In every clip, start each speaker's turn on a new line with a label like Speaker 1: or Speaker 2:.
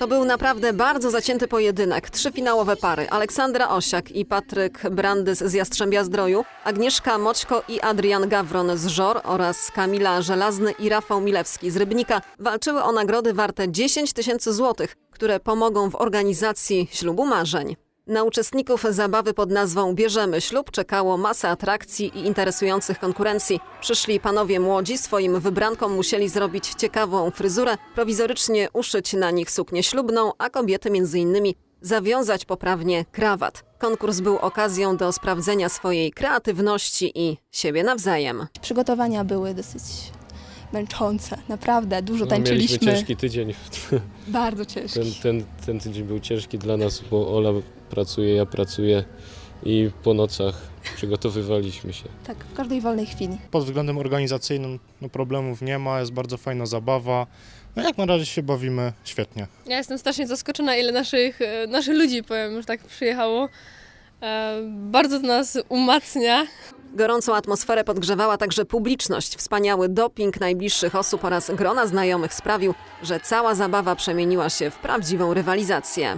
Speaker 1: To był naprawdę bardzo zacięty pojedynek. 3 finałowe pary. Aleksandra Osiak i Patryk Brandys z Jastrzębia-Zdroju, Agnieszka Moćko i Adrian Gawron z Żor oraz Kamila Żelazny i Rafał Milewski z Rybnika walczyły o nagrody warte 10 000 złotych, które pomogą w organizacji ślubu marzeń. Na uczestników zabawy pod nazwą Bierzemy ślub czekało masę atrakcji i interesujących konkurencji. Przyszli panowie młodzi, swoim wybrankom musieli zrobić ciekawą fryzurę, prowizorycznie uszyć na nich suknię ślubną, a kobiety m.in. zawiązać poprawnie krawat. Konkurs był okazją do sprawdzenia swojej kreatywności i siebie nawzajem.
Speaker 2: Przygotowania były dosyć męczące, naprawdę, dużo tańczyliśmy.
Speaker 3: Mieliśmy ciężki tydzień.
Speaker 2: Bardzo ciężki.
Speaker 3: Ten tydzień był ciężki dla nas, bo Ola pracuje, ja pracuję i po nocach przygotowywaliśmy się.
Speaker 2: Tak, w każdej wolnej chwili.
Speaker 4: Pod względem organizacyjnym problemów nie ma, jest bardzo fajna zabawa. No jak na razie się bawimy świetnie.
Speaker 5: Ja jestem strasznie zaskoczona, ile naszych ludzi, powiem, już tak przyjechało. Bardzo to nas umacnia.
Speaker 1: Gorącą atmosferę podgrzewała także publiczność. Wspaniały doping najbliższych osób oraz grona znajomych sprawił, że cała zabawa przemieniła się w prawdziwą rywalizację.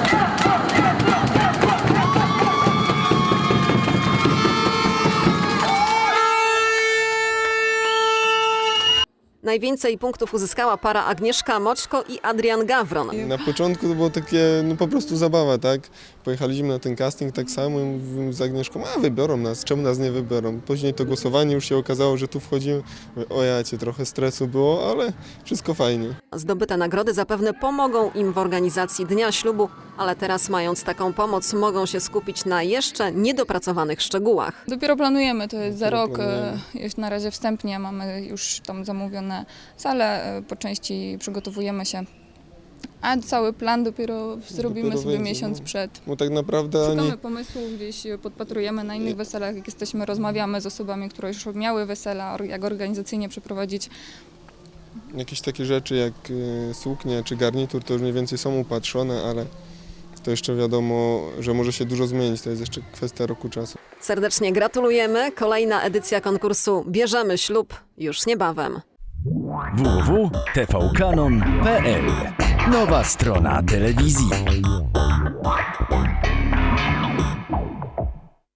Speaker 1: Najwięcej punktów uzyskała para Agnieszka Moćko i Adrian Gawron.
Speaker 6: Na początku to było takie po prostu zabawa, tak? Pojechaliśmy na ten casting tak samo i mówimy z Agnieszką, a wybiorą nas, czemu nas nie wybiorą? Później to głosowanie już się okazało, że tu wchodzimy. O jacie, trochę stresu było, ale wszystko fajnie.
Speaker 1: Zdobyte nagrody zapewne pomogą im w organizacji Dnia Ślubu, ale teraz mając taką pomoc mogą się skupić na jeszcze niedopracowanych szczegółach.
Speaker 7: Dopiero planujemy, to jest za
Speaker 6: Dopiero
Speaker 7: rok,
Speaker 6: planujemy.
Speaker 7: już na razie wstępnie mamy już tam zamówione sale, po części przygotowujemy się, a cały plan dopiero zrobimy
Speaker 6: Dopiero
Speaker 7: sobie
Speaker 6: będzie,
Speaker 7: miesiąc
Speaker 6: no.
Speaker 7: przed.
Speaker 6: Bo tak naprawdę
Speaker 7: Szukamy pomysłów, gdzieś podpatrujemy na innych
Speaker 6: Nie.
Speaker 7: weselach, jak jesteśmy, rozmawiamy z osobami, które już miały wesela, jak organizacyjnie przeprowadzić.
Speaker 6: jakieś takie rzeczy jak suknie czy garnitur to już mniej więcej są upatrzone, ale to jeszcze wiadomo, że może się dużo zmienić, to jest jeszcze kwestia roku czasu.
Speaker 1: Serdecznie gratulujemy. Kolejna edycja konkursu Bierzemy ślub już niebawem.
Speaker 8: www.tvkanon.pl. Nowa strona telewizji.